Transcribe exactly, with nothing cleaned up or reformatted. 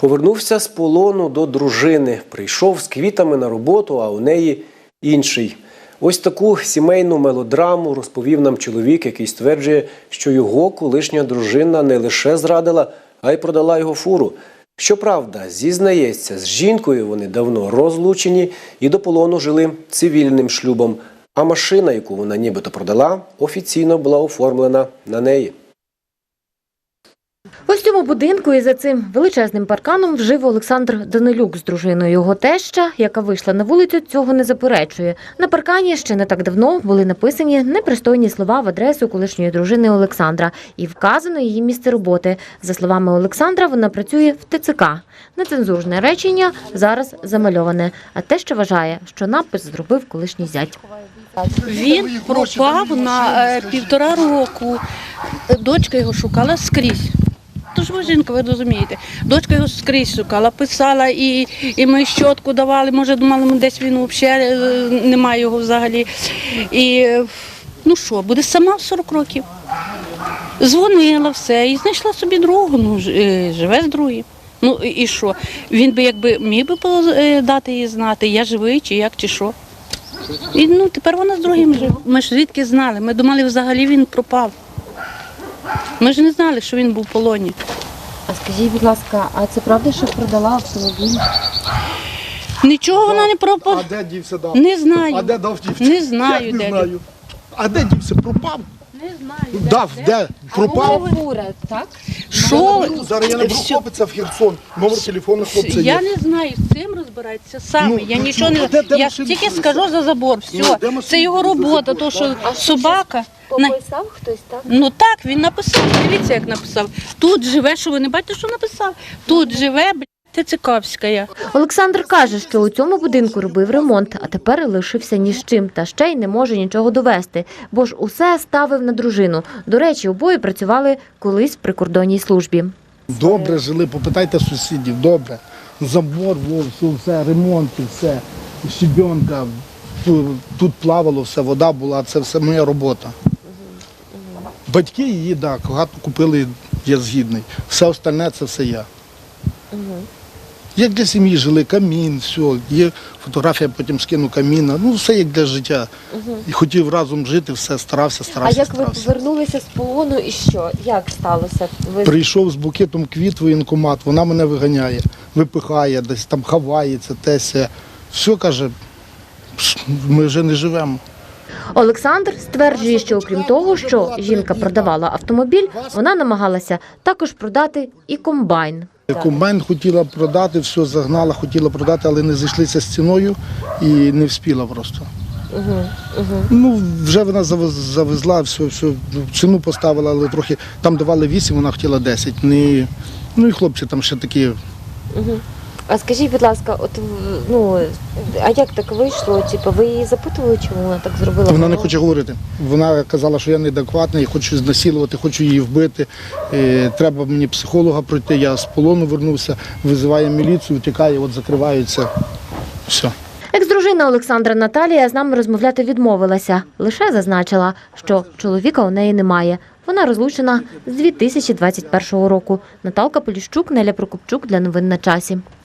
Повернувся з полону до дружини. Прийшов з квітами на роботу, а у неї інший. Ось таку сімейну мелодраму розповів нам чоловік, який стверджує, що його колишня дружина не лише зрадила, а й продала його фуру. Щоправда, зізнається, з жінкою вони давно розлучені і до полону жили цивільним шлюбом. А машина, яку вона нібито продала, офіційно була оформлена на неї. Ось в цьому будинку і за цим величезним парканом жив Олександр Данилюк з дружиною. Його теща, яка вийшла на вулицю, цього не заперечує. На паркані ще не так давно були написані непристойні слова в адресу колишньої дружини Олександра і вказано її місце роботи. За словами Олександра, вона працює в Те Це Ка. Нецензурне речення зараз замальоване, а теща вважає, що напис зробив колишній зять. Він пропав на е, півтора року. Дочка його шукала скрізь. Тож ви жінка, ви розумієте. Дочка його скрізь шукала, писала, і, і ми щотку давали, може думали, ми десь він взагалі, немає його взагалі. І ну що, буде сама в сорок років. Дзвонила все і знайшла собі другу, ну, живе з другим. Ну і що? Він би якби міг би дати їй знати, я живий чи як, чи що. І ну тепер вона з другим живе. Ми ж звідки знали, ми думали, взагалі він пропав. Ми ж не знали, що він був в полоні. А скажіть, будь ласка, а це правда, що продала автомобіль? Нічого вона не пропав. А де дівся дав? Не знаю. А де дав дівся? Не знаю, Як не де знаю. А де дівся? Пропав? Не знаю. Дав, де? Пропав? Фура, так? Що? Зараз я наберу Все. хлопця в Херсон. Номер телефону хлопця Я є. не знаю, з цим розбирається саме. Ну, я ну, нічого ну, не а де- де я машина тільки стоїть? скажу за забор. Все, Ну, де машина це його стоїть за робота, забором? то що А собака. На- Пописав хтось, так? Ну так, він написав. Дивіться, як написав. Тут живе, що ви не бачите, що написав? Тут живе, блядь, Тецикавська. Олександр каже, що у цьому будинку робив ремонт, а тепер лишився ні з чим, та ще й не може нічого довести, бо ж усе ставив на дружину. До речі, обоє працювали колись в прикордонній службі. Добре жили, попитайте сусідів, добре. Забор, во, все, все, ремонт, все, щебенка, тут плавало, все, вода була, це все моя робота. Батьки її, так, хату купили, я згідний. Все остальне це все я. Як для сім'ї жили, камін, все, є фотографія, потім скину каміна, ну все як для життя. І хотів разом жити, все, старався, старався, А як ви старався. повернулися з полону і що? Як сталося? Ви... Прийшов з букетом квіт в воєнкомат, вона мене виганяє, випихає, десь там ховається, тесе. Все, каже, ми вже не живемо. Олександр стверджує, що окрім того, що жінка продавала автомобіль, вона намагалася також продати і комбайн. Комбайн хотіла продати, все загнала, хотіла продати, але не зійшлися з ціною і не вспіла просто. Угу, угу. Ну, вже вона завезла, все, все, ціну поставила, але трохи, там давали вісім, вона хотіла десять. Не, ну і хлопці там ще такі. Угу. А скажіть, будь ласка, от ну а як так вийшло? Типу, ви її запитували, чому вона так зробила? Вона не хоче говорити. Вона казала, що я неадекватний, я хочу знасилувати, хочу її вбити. Е, треба мені психолога пройти. Я з полону вернувся, визиває міліцію, втікає, от закриваються. Все. Екс-дружина Олександра Наталія з нами розмовляти відмовилася. Лише зазначила, що чоловіка у неї немає. Вона розлучена з дві тисячі двадцять першого року. Наталка Поліщук, Неля Прокопчук для новин на часі.